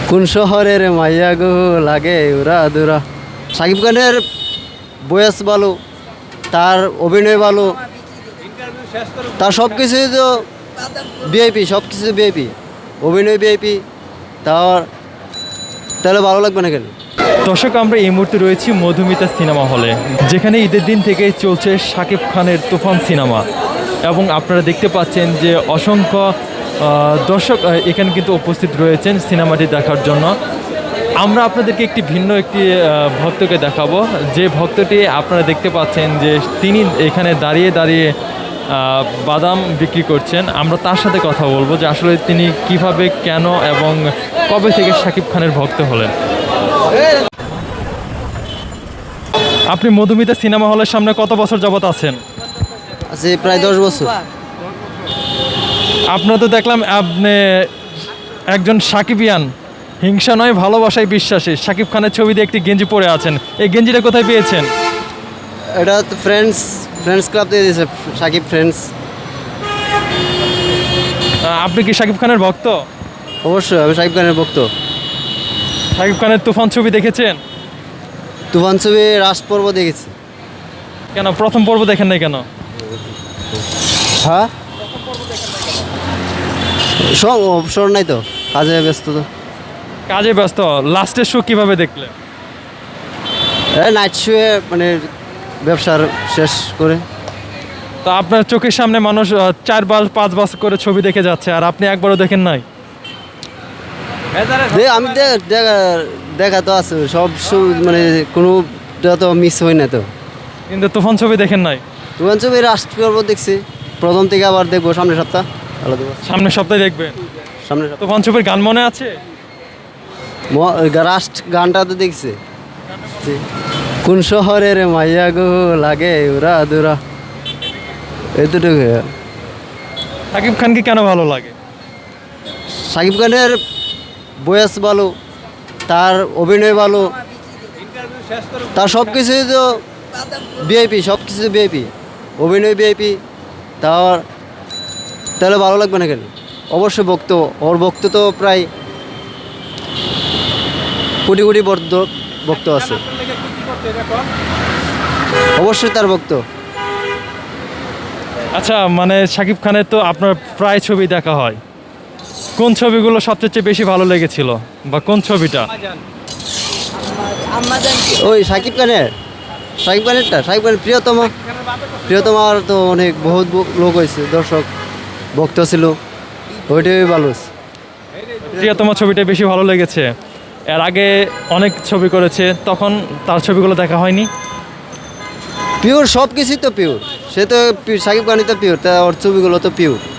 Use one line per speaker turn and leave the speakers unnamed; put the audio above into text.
কোন শহরের মাইয়া গো লাগে উরা দুরা। সাকিব খানের বয়স ভালো, তার অভিনয় ভালো, তার সব কিছুই তো ভিআইপি, সব কিছু ভিআইপি, অভিনয় ভিআইপি। তাহলে ভালো লাগবে না কেন?
দর্শক, আমরা এই মুহূর্তে রয়েছি মধুমিতা সিনেমা হলে, যেখানে ঈদের দিন থেকে চলছে শাকিব খানের তুফান সিনেমা। এবং আপনারা দেখতে পাচ্ছেন যে অসংখ্য দর্শক এখানে কিন্তু উপস্থিত রয়েছেন সিনেমাটি দেখার জন্য। আমরা আপনাদেরকে ভিন্ন একটি ভক্তকে দেখাবো, যে ভক্তটি আপনারা দেখতে পাচ্ছেন যে তিনি এখানে দাঁড়িয়ে দাঁড়িয়ে বাদাম বিক্রি করছেন। আমরা তার সাথে কথা বলবো যে আসলে তিনি কিভাবে, কেন এবং কবে থেকে শাকিব খানের ভক্ত হলেন। আপনি মধুমিতা সিনেমা হলের সামনে কত বছর যাবত আছেন?
আছে প্রায় 10 বছর।
আপনার তো দেখলাম আপনি একজন সাকিবিয়ান, হিংসা নয় ভালোবাসায় বিশ্বাসী। শাকিব খানের ছবি দিয়ে একটি গেঞ্জি পরে আছেন, এই গেঞ্জিটা কোথায় পেয়েছেন?
এটা তো ফ্রেন্ডস ক্লাব থেকে দিয়েছে, সাকিব ফ্রেন্ডস।
আপনি কি শাকিব খানের ভক্ত?
অবশ্যই আমি সাকিব খানের ভক্ত।
শাকিব খানের তুফান ছবি দেখেছেন?
তুফান ছবি রাষ্ট্র পর্ব দেখেছি।
কেন প্রথম পর্ব দেখেন নাই কেন?
হ্যাঁ, সব অবসর নাই তো, কাজে ব্যস্ত তো।
কাজে ব্যস্ত। লাস্টের শো কিভাবে দেখলেন?
নাইট শুয়ে মানে ব্যবসার শেষ করে।
তো আপনার চোখের সামনে মানুষ 4-5 বছর করে ছবি দেখে যাচ্ছে, আর আপনি একবারও দেখেন নাই?
আমি দেখা তো আছে, সব মানে কোনোটা তো মিস হয় না তো।
কিন্তু তুফান ছবি দেখেন নাই?
তুফান ছবি রাষ্ট্র পর্ব দেখছি, প্রথম থেকে আবার দেখবো সামনের সপ্তাহ। ভালো দেবো,
সামনের সপ্তাহে দেখবেন?
সামনের সপ্তাহ।
তুফান ছবির গান মনে আছে?
রাষ্ট্র গানটা তো দেখছি। কোন শহরের মাইয়া গো লাগে উরা দুরা, এতটুকু।
শাকিব খানকে কেন ভালো লাগে?
সাকিব খানের বয়স ভালো, তার অভিনয় ভালো, তার সব কিছুই তো ভিআইপি, সব কিছু ভিআইপি, অভিনয় ভিআইপি। তাহলে ভালো লাগবে না কেন? অবশ্যই ভক্ত, ওর ভক্ত তো প্রায় কোটি কোটি ভক্ত আছে, অবশ্যই তার ভক্ত।
আচ্ছা, মানে শাকিব খানের তো আপনার প্রায় ছবি দেখা হয়, কোন ছবিগুলো সবচেয়ে বেশি ভালো লেগেছিল, বা কোন ছবিটা?
ওই সাকিব খানের প্রিয়তমার তো অনেক বহুত লোক হয়েছে, দর্শক ভক্ত ছিল, ওইটাই ভালো।
প্রিয়তমা ছবিটা বেশি ভালো লেগেছে। এর আগে অনেক ছবি করেছে, তখন তার ছবিগুলো দেখা হয়নি?
পিওর সব কিছুই তো পিওর, সে তো সাকিব খানই তো পিওর, তা ওর ছবিগুলো তো পিওর।